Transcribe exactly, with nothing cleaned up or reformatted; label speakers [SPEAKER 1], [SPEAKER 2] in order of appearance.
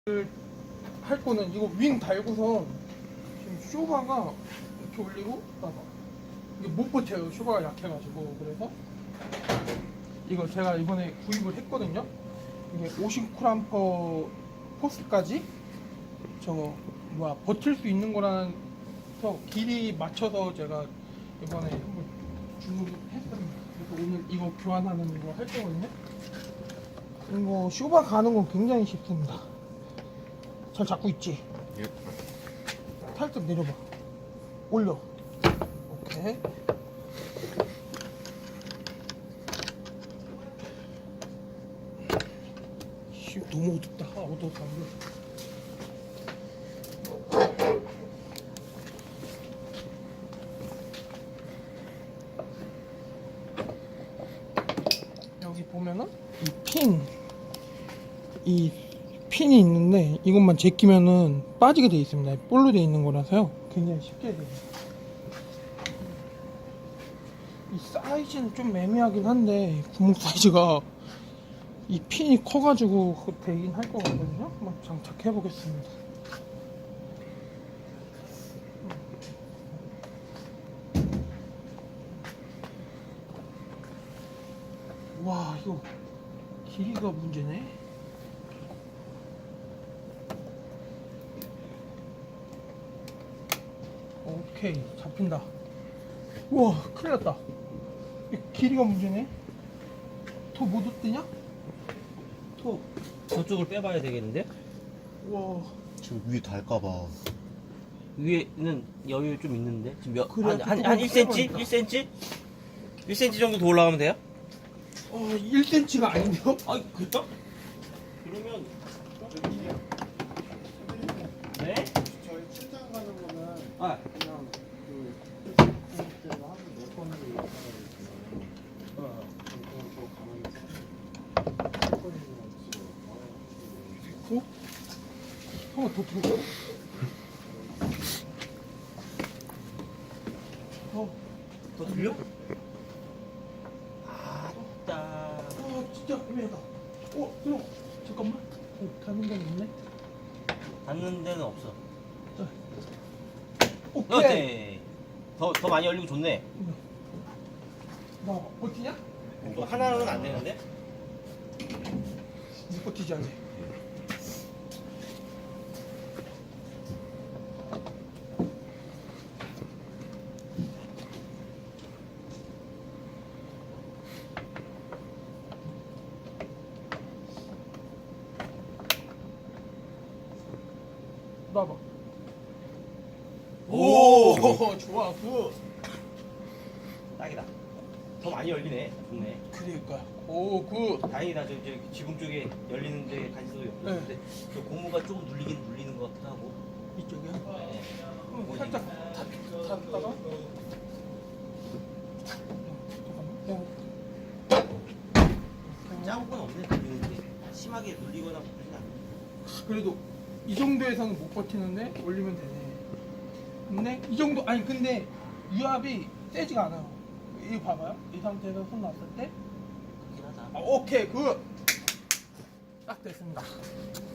[SPEAKER 1] 할 거는 이거 윙 달고선 지금 쇼바가 이렇게 올리고 봐봐. 이게 못 버텨요. 쇼바가 약해가지고. 그래서 이거 제가 이번에 구입을 했거든요. 이게 오십 쿨암퍼 포스까지 저거 뭐야 버틸 수 있는 거라서 길이 맞춰서 제가 이번에 한번 주문을 했습니다. 그래서 오늘 이거 교환하는 거 할 거거든요. 이거 쇼바 가는 건 굉장히 쉽습니다. 잘 잡고 있지?
[SPEAKER 2] 예.
[SPEAKER 1] 살짝 내려봐. 올려. 오케이. 씨, 너무 어둡다. 아, 어두워서 안 보여. 여기 보면은 이 핀, 이 핀이 있는데 이것만 제끼면은 빠지게 되어 있습니다. 볼로 되어 있는 거라서요. 굉장히 쉽게 돼요. 이 사이즈는 좀 애매하긴 한데 구멍 사이즈가 이 핀이 커가지고 되긴 할 것 같거든요. 한번 장착해 보겠습니다. 와, 이거 길이가 문제네. 오케이, 잡힌다. 우와, 큰일 났다. 이 길이가 문제네. 더 못 얻대냐? 더.
[SPEAKER 3] 저쪽을 빼봐야 되겠는데?
[SPEAKER 1] 우와.
[SPEAKER 2] 지금 위에 닳까봐.
[SPEAKER 3] 위에는 여유 좀 있는데? 지금 몇,
[SPEAKER 1] 그래,
[SPEAKER 3] 한, 한,
[SPEAKER 1] 조금
[SPEAKER 3] 한 일 센치?
[SPEAKER 1] 빼봐야겠다.
[SPEAKER 3] 일 센치? 일 센치 정도 더 올라가면 돼요?
[SPEAKER 1] 어, 일 센치미터가 아닌데요?
[SPEAKER 3] 아, 그래요? 그러면, 네?
[SPEAKER 2] 저희 출장 가는 거는
[SPEAKER 3] 아,
[SPEAKER 2] 그냥 그 때로 하루 몇 번을 있어가지고 어, 그냥 저 가만히 있어.
[SPEAKER 1] 어? 한번 더 들어가. 어,
[SPEAKER 3] 더 들려? 아따.
[SPEAKER 1] 아, 진짜 애매하다. 어, 들어. 잠깐만. 어, 닿는 건 없네.
[SPEAKER 3] 닿는 데는 없어.
[SPEAKER 1] 오케이.
[SPEAKER 3] 오케이. 더, 더 많이 열리고 좋네.
[SPEAKER 1] 나 버티냐?
[SPEAKER 3] 또 하나는 안 되는데?
[SPEAKER 1] 못 버티지 않네. 놔봐. 오, 좋아, 굿.
[SPEAKER 3] 딱이다. 더 많이 열리네. 좋네.
[SPEAKER 1] 그러니까. 오, 굿.
[SPEAKER 3] 다행이다. 저, 저 지붕 쪽에 열리는데 관심도 없는데 저 고무가 조금 눌리긴 눌리는 것 같긴 하고.
[SPEAKER 1] 이쪽이야?
[SPEAKER 3] 네.
[SPEAKER 1] 음, 살짝 닫- 닫다가. 잠깐만. 그냥
[SPEAKER 3] 작은 건 없네. 눌리는데 심하게 눌리거나 그러진 않네.
[SPEAKER 1] 그래도 이 정도에서는 못 버티는데 올리면 되네. 근데 이 정도 아니 근데 유압이 세지가 않아요. 이거 봐봐요. 이 상태에서 손 놨을 때
[SPEAKER 3] 그렇긴 하다.
[SPEAKER 1] 아, 오케이 굿. 딱 됐습니다.